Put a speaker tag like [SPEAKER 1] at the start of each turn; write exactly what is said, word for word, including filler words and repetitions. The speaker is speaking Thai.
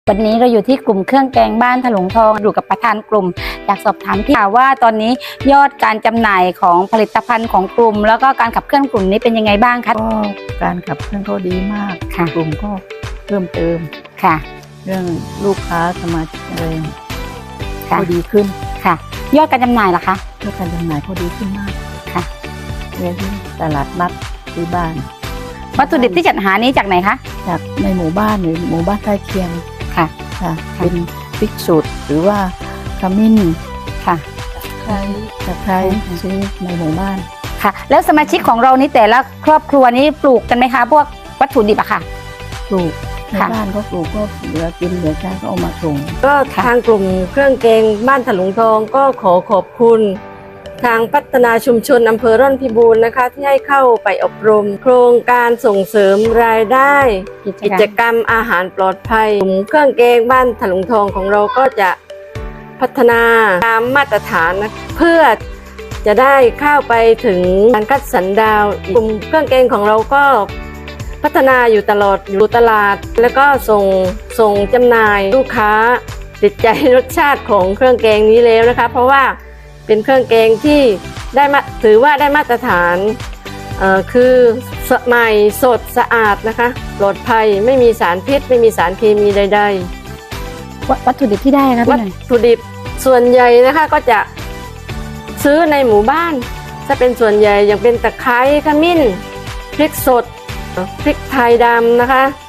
[SPEAKER 1] วันนี้เราอยู่ที่กลุ่มเครื่องแกงบ้านถลุงทองอยู่กับประธานกลุ่มอยากสอบถามที่ว่าตอนนี้ยอดการจำหน่ายของผลิตภัณฑ์ของกลุ่มแล้วก็การขับเคลื่อนกลุ่มนี้เป็นยังไงบ้างคะ
[SPEAKER 2] ก็การขับเคลื่อนก็ดีมากค่ะกลุ่มก็เพิ่มเติม
[SPEAKER 1] ค่ะ
[SPEAKER 2] เรื่องลูกค้าสมาชิกอะไร
[SPEAKER 1] ก็
[SPEAKER 2] ดีขึ้น
[SPEAKER 1] ค่ะยอดการจำหน่ายล่ะคะ
[SPEAKER 2] ยอดการจำหน่ายก็ดีขึ้นมาก
[SPEAKER 1] ค่ะ
[SPEAKER 2] เรื่องที่ตลาดนัดที่บ้าน
[SPEAKER 1] วัตถุดิบที่จัดหานี้จากไหนคะ
[SPEAKER 2] จากในหมู่บ้านหรือหมู่บ้านใกล้เคียง
[SPEAKER 1] ค่ะ
[SPEAKER 2] ค่ะเป็นพริกสดหรือว่าขมิ้น
[SPEAKER 1] ค่ะ
[SPEAKER 2] ไคร้ตะไคร้ซื้อในหมู่บ้าน
[SPEAKER 1] ค่ะแล้วสมาชิกของเรานี้แต่ละครอบครัวนี้ปลูกกันไหมคะพวกวัตถุดิบอะค่ะ
[SPEAKER 2] ปลูกในบ้านก็ปลูกก็เหลือกินเหลือใช้ก็เอามาส่ง
[SPEAKER 3] ก็ทางกลุ่มเครื่องแกงบ้านถลุงทองก็ขอขอบคุณทางพัฒนาชุมชนอำเภอร่อนพิบูลนะคะที่ให้เข้าไปอบรมโครงการส่งเสริมรายได้กิจกรรมอาหารปลอดภัยกลุ่มเครื่องแกงบ้านถลุงทองของเราก็จะพัฒนาตามมาตรฐานนะเพื่อจะได้เข้าไปถึงการคัดสรรดาวกลุ่มเครื่องแกงของเราก็พัฒนาอยู่ตลอดอยู่ตลาดแล้วก็ส่งส่งจำหน่ายลูกค้าติดใจรสชาติของเครื่องแกงนี้แล้วนะคะเพราะว่าเป็นเครื่องแกงที่ได้มาถือว่าได้มาตรฐานเอ่อคือใหม่สดสะอาดนะคะปลอดภัยไม่มีสารพิษไม่มีสารเคมีใด
[SPEAKER 1] ๆวัตถุดิบที่ได้คะ
[SPEAKER 3] วัตถุดิบส่วนใหญ่นะคะก็จะซื้อในหมู่บ้านถ้าเป็นส่วนใหญ่อย่างเป็นตะไคร้ขมิ้นพริกสดพริกไทยดำนะคะ